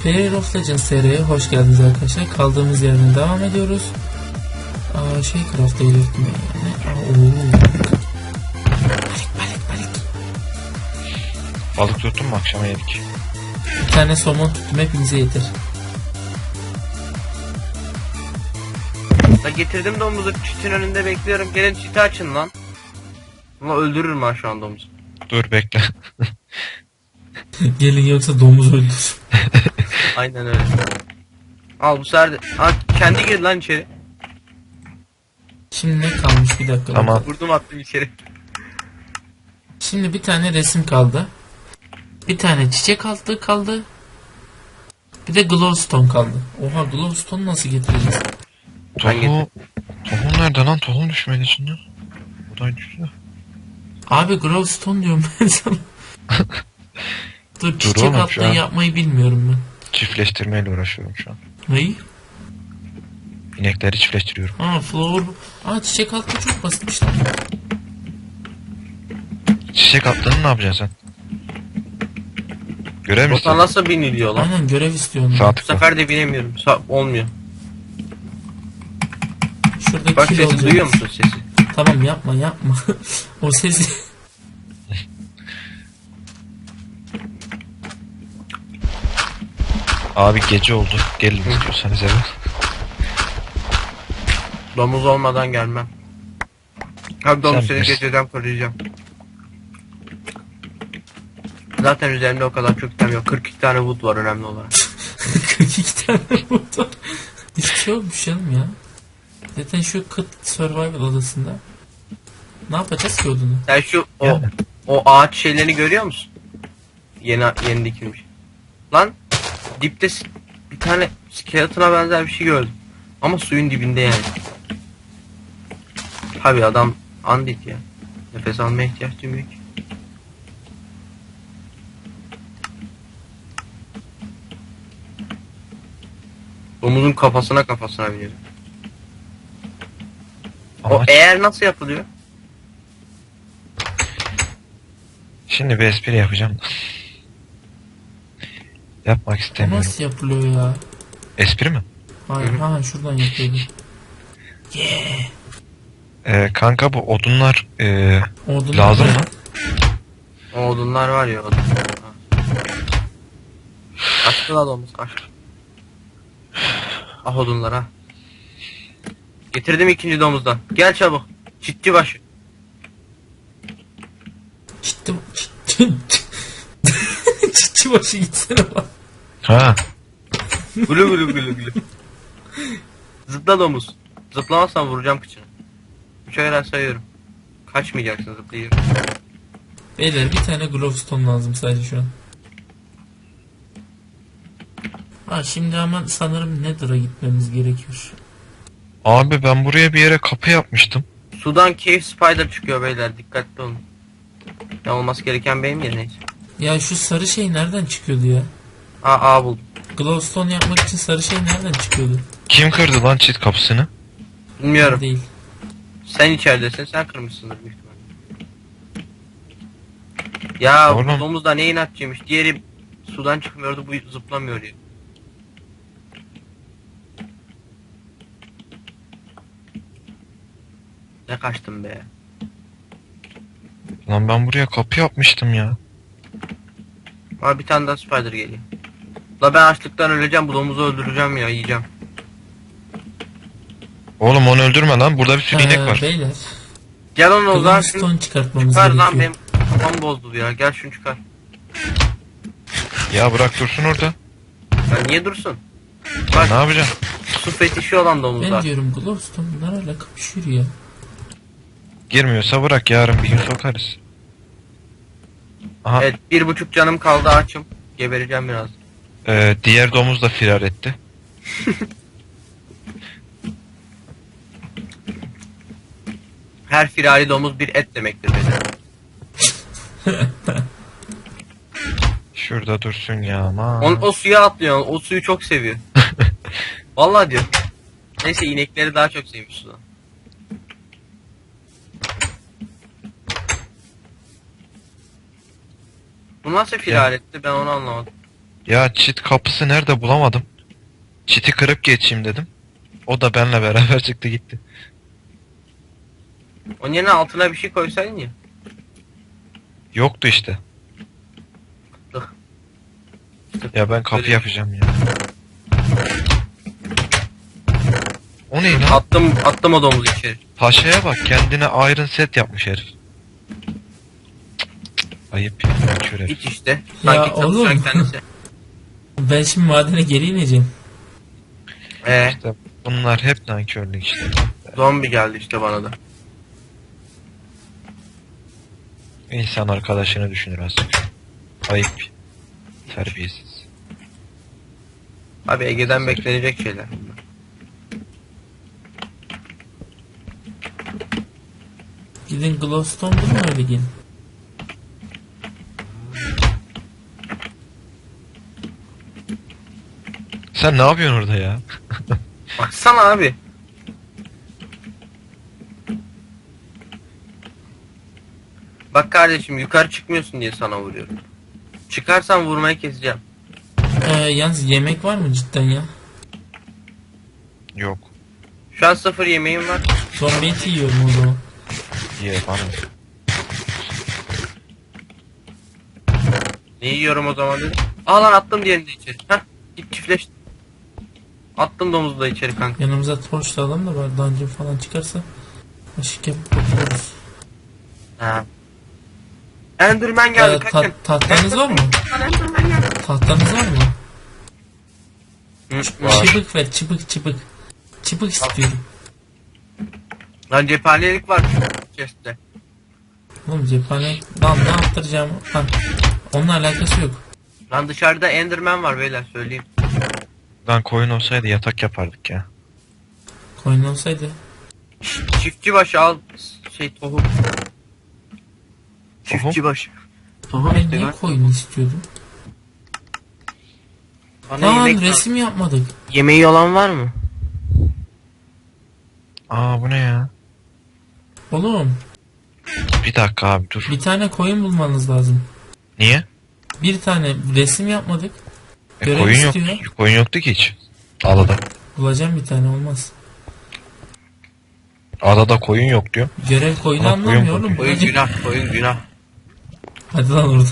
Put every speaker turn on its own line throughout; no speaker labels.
Player of Legends seriye hoş geldiniz arkadaşlar. Kaldığımız yerden devam ediyoruz. Craft'a ilettim yani. Balık.
Balık tuttum mu akşama yedik.
Bir tane somon tuttum, hepinize yeter.
Ya getirdim domuzu, çitin önünde bekliyorum. Gelin çiti açın lan. Ama öldürürüm ben şu an domuzu.
Dur bekle.
Gelin yoksa domuz öldür.
Aynen öyle. Al bu sefer de. Kendi gir lan içeri.
Şimdi ne kalmış, bir dakika.
Tamam.
Vurdum attım içeri.
Şimdi bir tane resim kaldı. Bir tane çiçek altı kaldı. Bir de glowstone kaldı. Oha, glowstone nasıl getireceğiz?
Tohum nerede lan? Tohum düşmedi içinden. Bu da düştü.
Abi glowstone diyorum ben sana. Dur, çiçek
oğlum,
altı yapmayı bilmiyorum ben.
Çiftleştirmeyle uğraşıyorum şu an.
Neyi?
İnekleri çiftleştiriyorum.
Flower. Çiçek altı çok basitmiş lan.
Çiçek attığını ne yapacaksın sen? Görev mi
Bota
istiyorsun?
nasıl biniliyor lan?
Aynen, görev istiyorum.
Sağ
Bu
tıkla.
sefer de binemiyorum. Olmuyor.
Şurada
Bak
kil
sesi
olacak.
duyuyor musun sesi?
Tamam, yapma. O sesi.
Abi gece oldu. Gelin istiyorsanız eve.
Domuz olmadan gelmem. Abi domuz
Sen
seni
bilirsin.
geceden koruyacağım. Zaten üzerimde o kadar çok item yok. 42 tane wood var önemli olarak.
42 tane motor. Hiçbir şey olmuş canım ya. Zaten şu kıt survival odasında. Ne yapacağız ki odunu?
Sen şu
Yani.
o ağaç şeylerini görüyor musun? Yeni dikilmiş. Lan dipte bir tane skeleton'a benzer bir şey gördüm. Ama suyun dibinde yani. Tabi adam andit ya. Nefes almaya ihtiyaç duymuyor ki. Domuzun kafasına binelim. O
Amaç.
eğer nasıl yapılıyor?
Şimdi bir espri yapacağım. Yapmak
O
istemiyorum.
nasıl yapılıyor ya?
Espri mi?
Hayır, şuradan yapıyordum.
Kanka bu odunlar
Odunlar
lazım
da-
mı?
O odunlar var ya odun. Kaçtı la domuz kaç. Ah odunlar ha. Getirdim ikinci domuzdan. Gel çabuk. Çitçi başı.
Çiçi başı gitsene bak.
Ha.
Gülü gülü gülü gülü. Zıpla domuz. Zıplamazsan vuracağım kıçını. 3'e kadar sayıyorum. Kaçmayacaksın zıplayıyorum.
Beyler, bir tane glowstone lazım sadece şu an. Şimdi ama sanırım Nether'a gitmemiz gerekiyor.
Abi ben buraya bir yere kapı yapmıştım.
Sudan cave spider çıkıyor beyler, dikkatli olun. Ne olması gereken benim ya, neyse.
Ya şu sarı şey nereden çıkıyordu ya?
Buldum.
Glowstone yapmak için sarı şey nereden çıkıyordu?
Kim kırdı lan çit kapısını?
Bilmiyorum.
Değil.
Sen içeridesin, sen kırmışsındır büyük ihtimalle. Ya
Oğlum.
bu domuz da ne inatçıymış. Diğeri sudan çıkmıyordu, bu zıplamıyor ya. Ne kaçtım be.
Lan ben buraya kapı yapmıştım ya.
Bir tane daha spider geliyor. La ben açlıktan öleceğim, bu domuzu öldüreceğim ya, yiyeceğim.
Oğlum onu öldürme lan. Burada bir sürü inek var.
Beyler,
Gel onu o zaman şunu
glowstone çıkartmamız
çıkar
gerekiyor.
lan, benim kafam bozdu ya, gel şunu çıkar.
Ya bırak dursun orada.
Ya niye dursun?
Ya
Bak
ne yapacaksın?
su fetişi olan
Ben
domuzlar.
diyorum glowstone bunlar hala kapışıyor ya.
Girmiyorsa bırak, yarın bir gün sokarız. Aha.
Evet, 1,5 canım kaldı, açım. Gebereceğim biraz.
Diğer domuz da firar etti.
Her firari domuz bir et demektir beyler.
Şurada dursun ya aman.
O suya atlıyor, o suyu çok seviyor. Vallahi diyor. Neyse, inekleri daha çok sevmiş sudan. Bu nasıl firar etti, ben onu anlamadım.
Ya çit kapısı nerede bulamadım. Çiti kırıp geçeyim dedim. O da benle beraber çıktı gitti.
Onun yerine altına bir şey koysaydın ya.
Yoktu işte.
Tık.
Ya ben kapı
Öyle.
yapacağım ya. O ne lan?
Attım o domuzu içeri.
Paşa'ya bak, kendine Iron Set yapmış herif. Cık, ayıp ya, kör herif.
İç işte.
Ya
Sanki
oğlum.
çalışan kendisi.
Ben şimdi madene geri ineceğim.
İşte bunlar hep nankörlük işte.
Zombi geldi işte bana da.
İnsan arkadaşını düşünür azıcık. Ayıp. Terbiyesiz.
Abi Ege'den beklenecek şeyler bunlar.
Gidin Glowstone bulun öyle gelin.
Sen ne yapıyorsun orada ya?
Baksana abi. Bak kardeşim yukarı çıkmıyorsun diye sana vuruyorum. Çıkarsan vurmayı keseceğim.
Yalnız yemek var mı cidden ya?
Yok.
Şu an 0 yemeğim var.
Zombi eti yiyorum o zaman.
Ye bana.
Ne yiyorum o zaman dedim. Aa lan attım diğerini de içeri. Heh git çiftleş. Attım domuzu da içeri kanka.
Yanımıza torç da alalım da var dungeon falan çıkarsa ışık yapıp otururuz.
Ha. Enderman geldi kaçın.
Tahtanız var mı?
Enderman geldi.
Tahtanız var mı?
Var.
Çıbık ver çıbık. Çıbık istiyorum.
Lan cephanelik var şu chest'te.
Oğlum cephane... Lan ne yaptıracağım? Lan onunla alakası yok.
Lan dışarıda Enderman var beyler söyleyeyim.
Lan koyun olsaydı yatak yapardık ya.
Koyun olsaydı.
Çiftçi başı al tohum. Çiftçi başı. Tohum
Ben
işte
niye
lan.
koyun istiyordum?
Bana
Lan
yemek
resim yapmadık.
yemeği olan var mı?
Aa bu ne ya?
Oğlum
Bir dakika abi dur.
bir tane koyun bulmanız lazım.
Niye?
Bir tane resim yapmadık. Görev
Koyun yok.
istiyor.
Koyun yoktu ki hiç. Adada.
Bulacağım bir tane olmaz.
Adada koyun yok diyor.
Görev koyunu
Ama koyun
anlamıyor
koyun.
oğlum.
Koyun
Bulacağım.
günah, koyun günah.
Hadi lan oradan.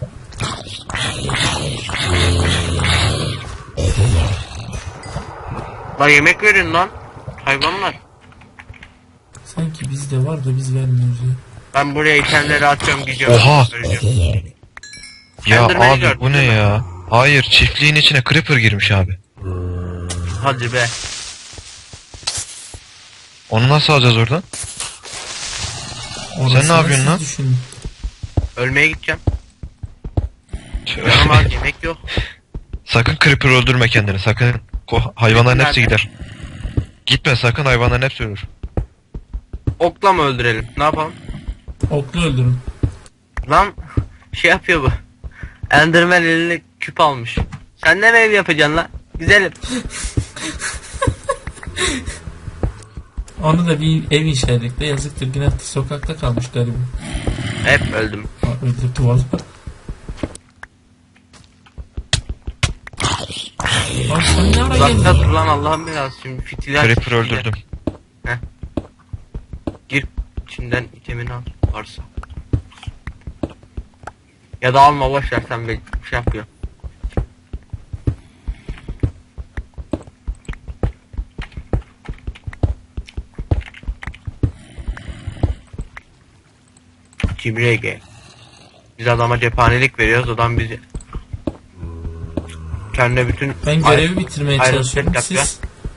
Lan yemek verin lan. Hayvanlar.
Sanki bizde var da biz vermiyoruz ya.
Ben buraya itemleri atıyorum gidiyorum.
Oha!
Öleceğim.
Ya
Enderman'i
abi
gördün
bu ne
değil mi?
ya? Hayır, çiftliğin içine creeper girmiş abi.
Hadi be.
Onu nasıl alacağız oradan?
Orasını
ne yapıyorsun
siz
lan?
düşünün.
Ölmeye gideceğim. Yanıma yemek yok.
Sakın creeper öldürme kendini, sakın. Hayvanların hepsi
Nerede?
gider. Gitme sakın, hayvanların hepsi ölür.
Okla mı öldürelim? Ne yapalım?
Oklu öldürün.
Lan şey yapıyor bu. Enderman eline küp almış. Sen ne ev yapacaksın lan? Güzelim.
Onu da bir ev inşa ettik de yazıktır günahtır sokakta kalmış gariban.
Hep öldüm.
Öldürdü valla. Lan sen ne ara
Uzakta
geldin?
dur lan Allah'ım belası şimdi fitiller.
Creeper öldürdüm.
Gir içinden itemini al varsa. Ya da alma boş ver sen bir şey yapıyor. Cimri Ege. Biz adama cephanelik veriyoruz adam bizi kendine bütün
Ben görevi bitirmeye
Iron
çalışıyorum.
Set yapıyor.
Siz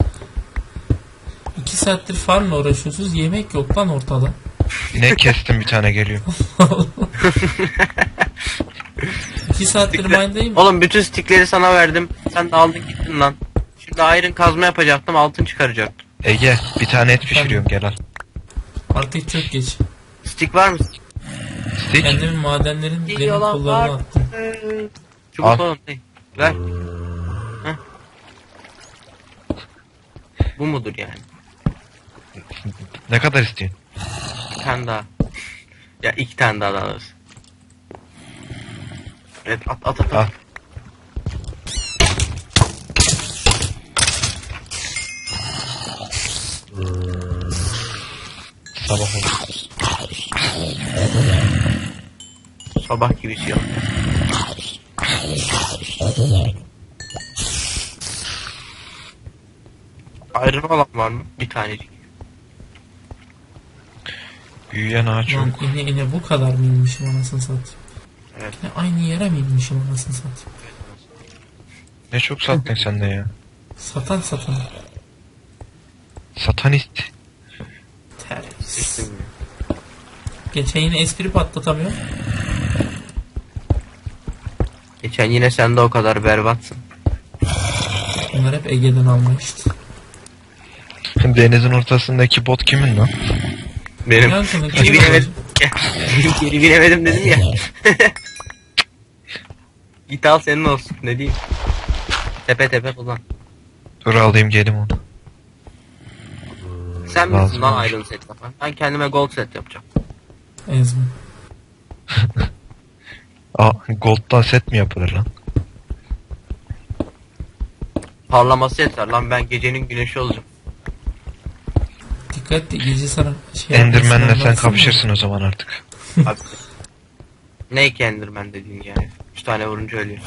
2 saattir farmla uğraşıyorsunuz. Yemek yok lan ortada.
Ne kestim, bir tane geliyor.
2 saattir mindayım.
Oğlum bütün stickleri sana verdim. Sen de aldın gittin lan. Şimdi iron kazma yapacaktım altın çıkaracaktım.
Ege, bir tane et pişiriyorum, gel al.
Artık çok geç.
Stick var mı?
Stick.
Kendimin madenlerin benim
Yalan
kollarına
var.
attım.
Çubuk
Al.
oğlum ne? Ver. Heh. Bu mudur yani?
Ne kadar istiyorsun?
Bir tane daha. Ya iki tane daha alırız. Evet at.
Al. Sabah oldu.
Sabah gibi şey yok. Ayrı olan var mı? Bir tanecik.
Büyüyen ağaç yok.
Lan ine bu kadar mı inmişim anasını satayım?
Evet.
Yine aynı yere mi inmişim anasını satayım?
Ne çok sattın sen de ya.
Satan.
Satanist.
Terbiyesiz.
Sıçtım ya.
Geçen yine espri patlatamıyor.
Geçen yine sen de o kadar berbatsın.
Bunlar hep Ege'den alma işte.
Denizin ortasındaki bot kimin lan?
Benim
Yankı'nın
geri
kimi
binemedim. Geri binemedim dedim ya. Git al senin olsun ne diyeyim. Tepe kullan.
Dur alayım gelim onu.
Sen
Lazım
misin lan
olur.
Iron set yapan? Ben kendime gold set yapacağım.
Ezmi.
Aa, gold'dan set mi yapılır lan?
Parlaması yeter lan, ben gecenin güneşi olacağım.
Dikkat et, gece sana şey
Enderman'le
yapmasın,
sen
anlarsın
kapışırsın o zaman artık.
Abi. Ne ki Enderman dediğin yani. 3 tane vurunca ölüyor.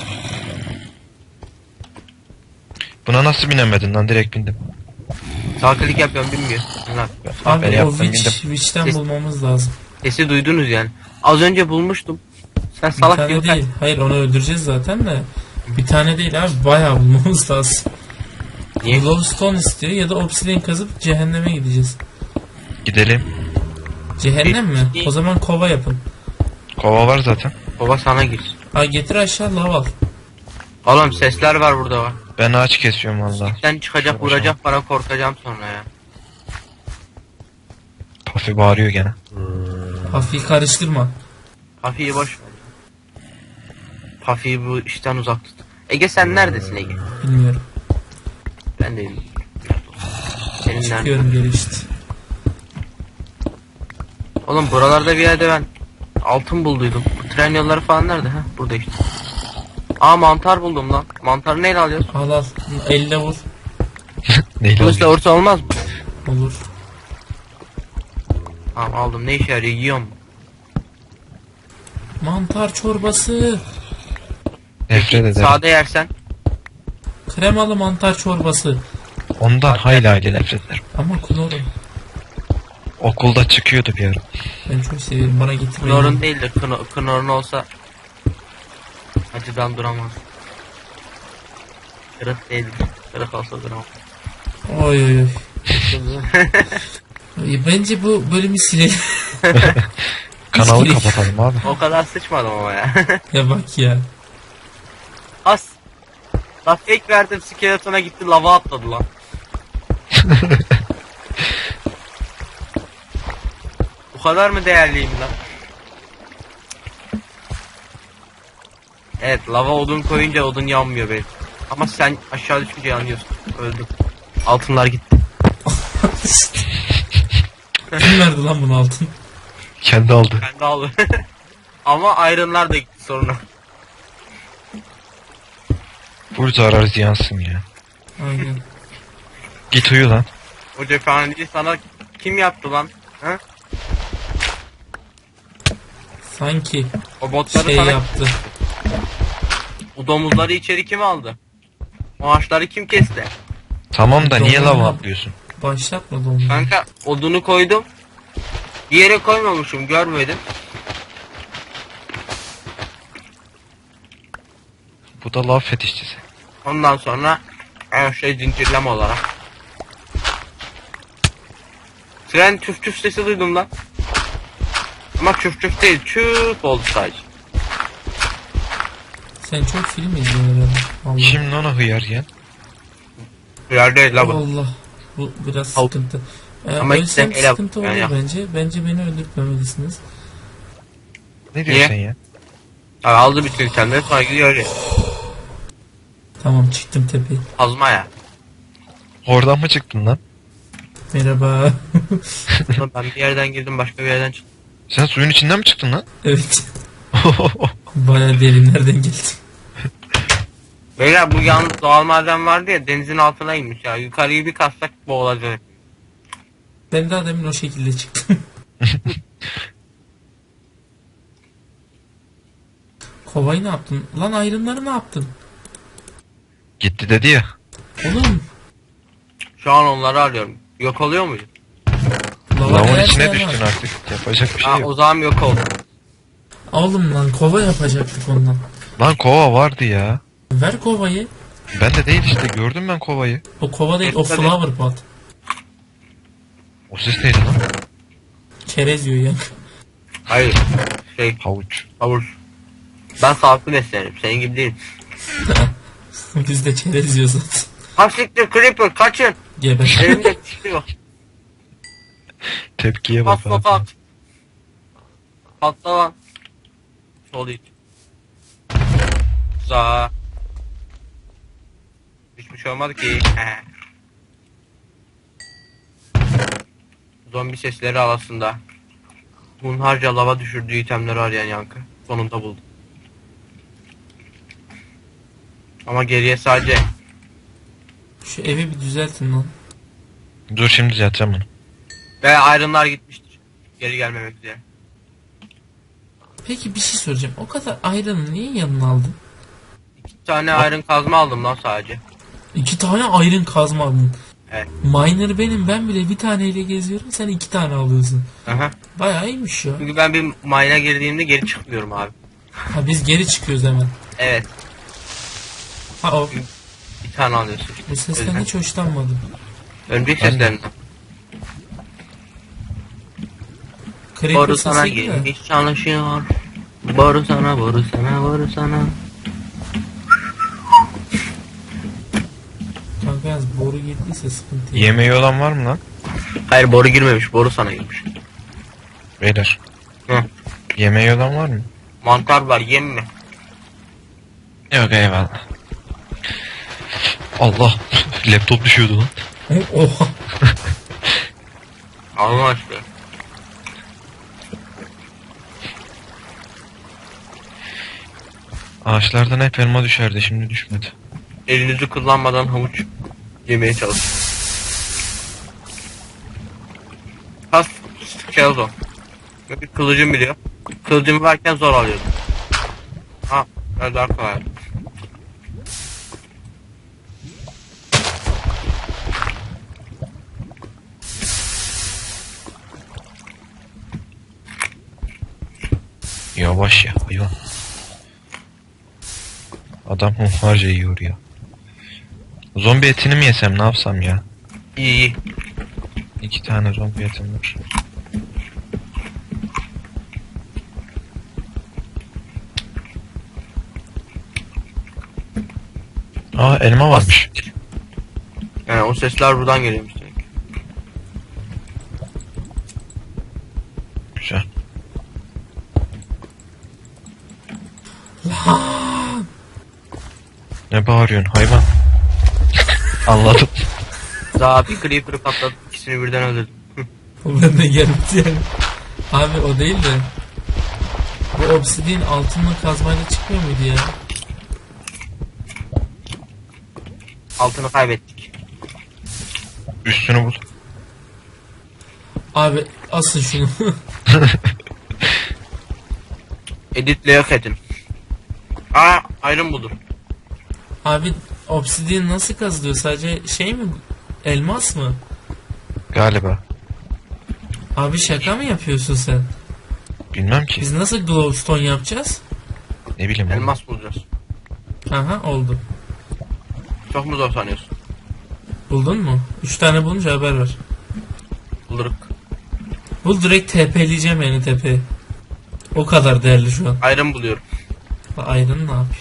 Buna nasıl binemedin lan? Direkt bindim.
Sağ klik yapıyorum bilmiyor. Lan.
mı?
Ben
Abi o
yaptım,
Witch'ten
Ses-
bulmamız lazım.
Sesi duydunuz yani. Az önce bulmuştum. Sen
Bir
salak
tane
gibi
değil. Hayır onu öldüreceğiz zaten de. Bir tane değil abi, bayağı bulmamız lazım.
Niye?
Glowstone istiyor ya da obsidian kazıp cehenneme gideceğiz.
Gidelim.
Cehennem mi? O zaman kova yapın.
Kova var zaten.
Baba sana girsin.
Ha getir aşağı lav al.
Oğlum sesler var burada var.
Ben ağaç kesiyorum valla.
Sen çıkacak vuracak bana, korkacağım sonra ya.
Pafi bağırıyor gene.
Hafif karıştırma.
Pafi'yi boş ver. Pafi'yi bu işten uzak tut. Ege sen neredesin Ege?
Bilmiyorum.
Ben de bilmiyorum. Senin nerede?
Çıkıyorum geri işte.
Oğlum buralarda bir yerde ben altın bulduydum. Bu tren yolları falan nerede? Ha burada işte. Aa mantar buldum lan. Mantarı neyle alıyoruz?
Al al. Elle vur.
Neyle
Kılıçla
alıyor?
vursa olmaz mı?
Olur.
Tamam aldım. Ne işe yarıyor? Yiyor mu?
Mantar çorbası.
Nefret ederim.
Sade yersen.
Kremalı mantar çorbası.
Ondan hayli hayli nefret ederim.
Ama kloru.
Okulda çıkıyordu bir ara.
Ben çok seviyorum. Bana getirmeyin.
Knorr'un değil de Knorr'un olsa acıdan duramaz. Kırık değil. Kırık olsa duramaz.
Oy oy oy. Bence bu bölümü silelim.
Kanalı
gerek yok.
kapatalım abi.
O kadar sıçmadım ama ya.
Ya bak ya.
As. La fake verdim, skeletona gitti lava atladı lan. Bu kadar mı değerliyim lan? Evet, lava odun koyunca odun yanmıyor benim. Ama sen aşağı düşünce yanıyorsun. Öldüm. Altınlar gitti.
Kim verdi lan bunu altın?
Kendi aldı.
Ben de aldım. Ama ironlar da gitti sonra.
Vur zarar ziyansın ya.
Aynen.
Git uyu lan.
O cephaneci sana kim yaptı lan? Ha?
Sanki
O botları
şey
sana
yaptı.
o domuzları içeri kim aldı? O ağaçları kim kesti?
Tamam da niye
Doğru.
lava atlıyorsun?
Başlatmadı onu.
Kanka odunu koydum. Bir yere koymamışım, görmedim.
Bu da lav fetişçisi.
Ondan sonra her şey zincirleme olarak. Tren çüf çüf sesi duydum lan. Ama çüf çüf değil, çüf oldu sadece.
Sen çok film izliyorsun herhalde. Allah.
Kim lan o hıyar ya?
Yer değil la bu.
Allah. Bu biraz
Al.
sıkıntı.
Ama
Ölsem
işte ele-
sıkıntı olur
yani yap.
bence. Bence beni öldürtmemelisiniz.
Ne diyorsun
Niye?
sen ya?
Abi aldı bütün itemleri sonra gidiyor ya.
Tamam çıktım tepeye.
Azma ya.
Oradan mı çıktın lan?
Merhaba.
Ulan ben bir yerden girdim, başka bir yerden çıktım.
Sen suyun içinden mi çıktın lan?
Evet. Baya derinlerden geldim.
Beyler bu yalnız doğal maden vardı ya, denizin altına inmiş ya. Yukarıyı bir kassak boğulacak.
Ben daha demin o şekilde çıktım. Kovayı ne yaptın? Lan ayrımları ne yaptın?
Gitti dedi ya.
Oğlum.
Şu an onları arıyorum. Yok oluyor muydu?
Lavın
her
içine
şey
düştün
var.
artık. Yapacak bir şey
Ha,
yok.
o zaman yok oldu.
Oğlum lan kova yapacaktık ondan.
Lan kova vardı ya.
Ver kovayı.
Ben de değil işte, gördüm ben kovayı.
O kova değil, o
Tabii.
flower pot.
O ses neydi lan?
Çerez yiyor ya.
Hayır. Şey,
Havuç.
havuç. Ben sağlıklı beslenirim. Senin gibi değil.
Biz de çerez yiyoruz zaten.
Hapsiktir Creeper kaçın.
Geber.
Elimde çıkıyor.
Tepkiye bak
Patla
abi.
pat. Patla lan. Sol iç. Sağ. Hiçbir şey olmadı ki. He. Zombi sesleri arasında. Hunharca lava düşürdüğü itemleri arayan Yankı. Sonunda buldu. Ama geriye sadece
Şu evi bir düzeltin lan.
Dur şimdi düzelteceğim bunu.
ve ayrımlar gitmiştir. Geri gelmemek üzere.
Peki bir şey soracağım. O kadar ayrını niye yanına aldın?
2 tane ayrım kazma aldım lan sadece.
2 tane ayrın kazma aldın.
Evet.
Miner benim, ben bile bir taneyle geziyorum, sen 2 tane alıyorsun.
Aha.
Bayağı iyiymiş ya.
Çünkü ben bir mine'a girdiğimde geri çıkmıyorum abi.
Ha biz geri çıkıyoruz hemen.
Evet.
Ha o.
Bir tane alıyorsun.
Bu sesten
Öyle.
hiç hoşlanmadım.
Örümcek
Ben de.
seslerinden.
Creeper
Boru sana
sesi gibi de.
gelmiş çalışıyor. Boru sana, boru sana, boru sana.
Kanka yalnız boru girdiyse sıkıntı yok.
Yemeği olan var mı lan?
Hayır boru girmemiş, boru sana girmiş.
Beyler.
Hı.
Yemeği olan var mı?
Mantar var, yem mi?
Yok eyvallah. Allah. Laptop düşüyordu lan.
Oha.
Allah aşkına.
Ağaçlardan hep elma düşerdi, şimdi düşmedi.
Elinizi kullanmadan havuç yemeye çalışın. Has skeleton. Bir kılıcım biliyor. Kılıcım varken zor alıyordum. Ha, biraz daha kolay.
Yavaş ya hayvan. Adam hunharca yiyor ya. Zombi etini mi yesem, ne yapsam ya?
İyi iyi.
2 tane zombi etim var. Aa elma varmış.
Yani o sesler buradan geliyormuş demek.
Güzel. Ne bağırıyorsun hayvan? Anladım.
Daha bir creeper'ı patlatıp ikisini birden öldürdüm.
O bende geldi yani. Abi o değil de. Bu obsidian altınla kazmayla çıkmıyor muydu ya?
Altını kaybettik.
Üstünü bul.
Abi asın şunu.
Editle yok edin. Aa, ayrım buldum.
Abi obsidian nasıl kazılıyor? Sadece şey mi? Elmas mı?
Galiba.
Abi şaka mı yapıyorsun sen?
Bilmem ki.
Biz nasıl glowstone yapacağız?
Ne bileyim oğlum.
Elmas bulacağız.
Aha oldu.
Çok mu zor sanıyorsun?
Buldun mu? 3 tane bulunca haber ver.
Bulduk.
Bul, direkt TP'leyeceğim yani tepeye. O kadar değerli şu an.
Ayrım buluyorum.
Ayrın ne yapıyor?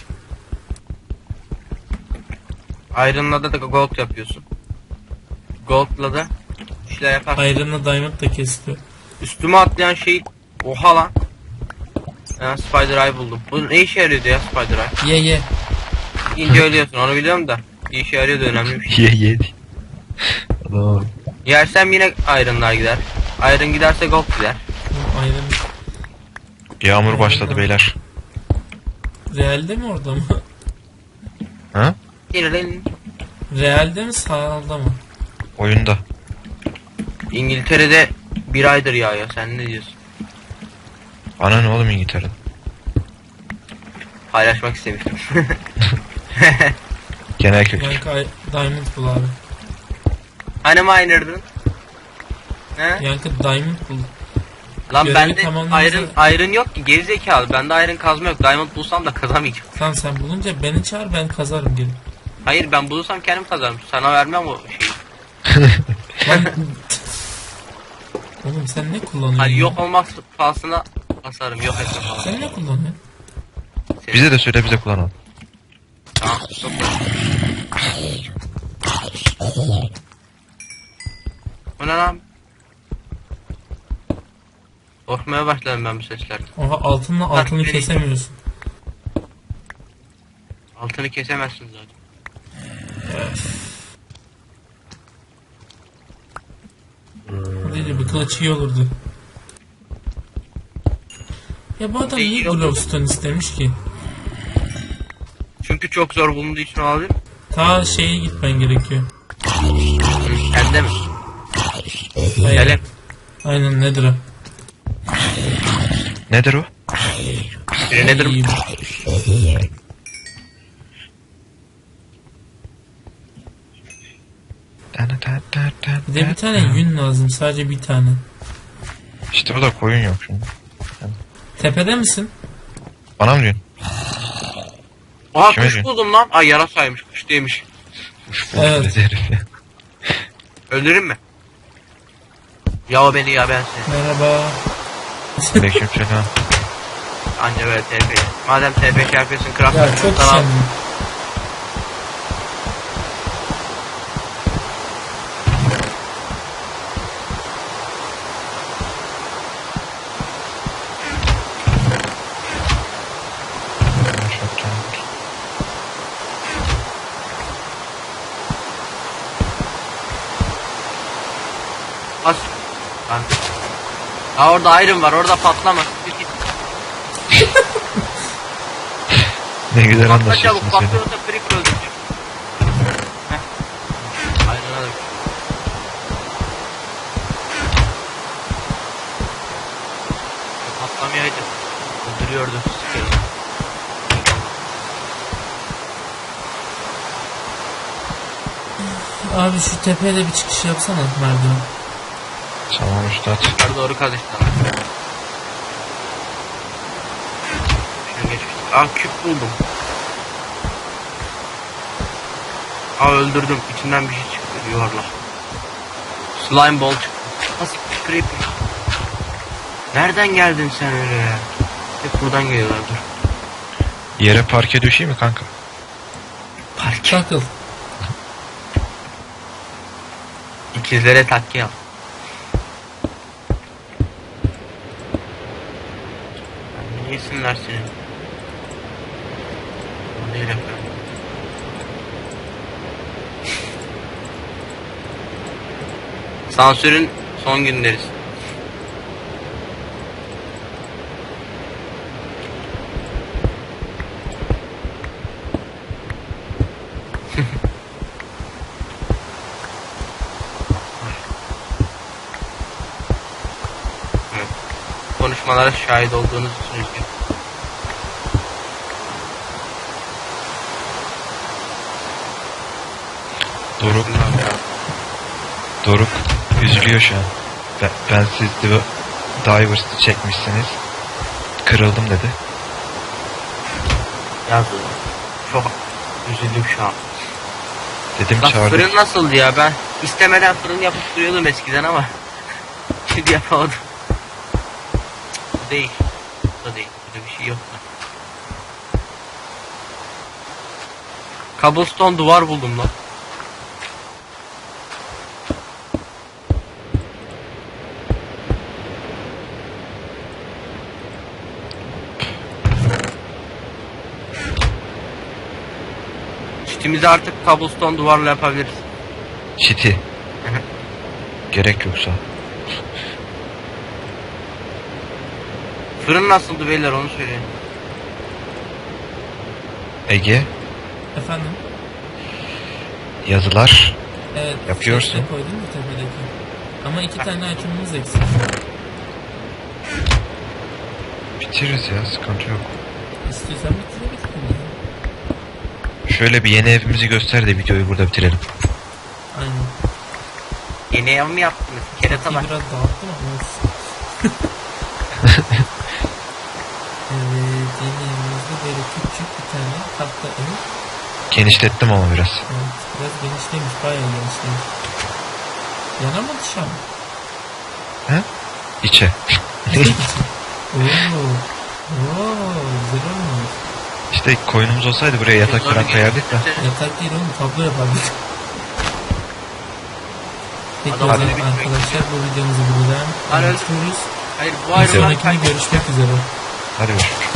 Iron'la da gold yapıyorsun. Gold'la da işler yaparsın.
Ayrınla diamond da kesiliyor.
Üstüme atlayan şey... Oha lan. Ben Spider Eye buldum. Bu ne işe yarıyordu ya Spider Eye?
Ye.
İnce ölüyorsun onu biliyorum da. Bir işe yarıyordu, önemli bir şey.
Ye. Adam.
Yersem yine Iron'lar gider. Iron giderse gold gider.
Ayrın
Yağmur başladı beyler.
realde mi orada mı?
Ha?
Girin.
Realde mi sağda mı?
Oyunda.
İngiltere'de bir aydır yağıyor. Sen ne diyorsun?
Ana ne oğlum İngiltere'de?
Paylaşmak istemiştim.
Genel kültür.
Yankı Diamond bul abi.
Hani miner'dın? He?
Yankı Diamond bul.
Lan
Görevi
bende
tamamlayınca-
iron yok ki, gerizekalı. Bende iron kazma yok. Diamond bulsam da kazamayacağım.
Tamam sen bulunca beni çağır, ben kazarım gelip.
Hayır, ben bulursam kendim kazarım. Sana vermem o şeyi.
Lan... Oğlum sen ne kullanıyorsun?
Hani
ya?
yok olmak pahasına basarım. Yok etme falan.
Sen ne kullanıyorsun?
Bize de söyle, bize kullanalım.
Tamam. Stop. O ne lan? Korkmaya başladım ben bu seslerden.
Oha altınla altını
beni-
kesemiyorsun.
Altını kesemezsin zaten.
O değil de bir kılıç iyi olurdu. Ya bu adam niye
İyi olurdu.
glowstone istemiş ki?
Çünkü çok zor bulunduğu için olabilir.
Ta şeye gitmen gerekiyor.
Sende mi?
Hayır.
Hele.
Aynen nedir o?
Nedir o?
Nedir?
İyi. Bir de bir tane yün lazım, sadece bir tane.
İşte o da koyun yok şimdi.
Tepede misin?
Bana mı diyorsun?
Aha
Kime
kuş
diyorsun?
buldum lan. Ay yarasaymış, kuş değilmiş.
Evet.
Dedi herif ya.
Öldürün mü? Ya o beni ya ben seni.
Merhaba.
Aleykümselam.
Anca böyle TP. Madem TP şey yapıyorsun, craft
Ya çok
sana al.
şenli.
Bas. Lan. Ha orada iron var, orada patlama. Git.
Ne güzel
Patla
anlaşıyorsun
çabuk,
seni.
patlıyorsa creeper öldürecek. Heh. Iron'a da. Patlamayaydı. Öldürüyordu. Sikerim.
Abi şu tepeye de bir çıkış yapsana merdiven.
Tamam üstad.
Yukarı doğru kaz işte. Şunu geçmiştik. Aa küp buldum. Aa öldürdüm. İçinden bir şey çıktı. Yuvarlak. Slime ball çıktı. Nasıl bir creeper? Nereden geldin sen öyle ya? Hep buradan geliyorlar, dur.
Yere parke düşeyim mi kanka?
Takıl.
İkizlere takke yap. Ne yesinler senin? O değil efendim. Sansürün son günleriz. Evet. Konuşmalara şahit olduğunuz için üzgünüm.
Doruk, Doruk üzülüyor şu an. Ben siz Divers'ı çekmişsiniz. Kırıldım dedi.
Yazdı. Çok üzüldüm şu an.
Dedim
Bak
çağırdım.
fırın nasıldı ya, ben istemeden fırın yapıp duruyordum eskiden ama şimdi yapamadım. Bu değil. Bu da değil. Burada bir şey yok da. Cobblestone duvar buldum lan. Çitimizi artık cobblestone duvarla yapabiliriz.
Çiti. Gerek yoksa.
Fırın nasıldı beyler, onu söyleyin.
Ege,
Efendim?
yazılar.
Evet.
Yapıyorsun.
Şey koydun mu tepedeki? Ama 2 tane açımımız eksik.
Bitiririz ya, sıkıntı yok.
İstiyorsan bitirebilirim ya.
Şöyle bir yeni evimizi göster de videoyu burada bitirelim.
Aynen.
Yeni ev mi yaptınız? Kerata bak.
Biraz dağıttım ama olsun. Evet, yeni evimizde böyle küçük bir tane tahta ev.
Genişlettim ama biraz.
Evet, biraz genişlemiş, bayağı genişlemiş. Yana mı dışarı mı?
He? İçe.
Ooo. Ooo, güzel olmuş.
İşte koyunumuz olsaydı buraya yatak falan koyardık da.
Yatak değil oğlum, tablo yapardık. Peki
Adam
o zaman
öyle bitmek
arkadaşlar bu videomuzu buradan
Hayır,
bitiriyoruz.
Hayır bu
Bir
ayrılan
sonrakini görüşmek üzere.
Hadi görüşürüz.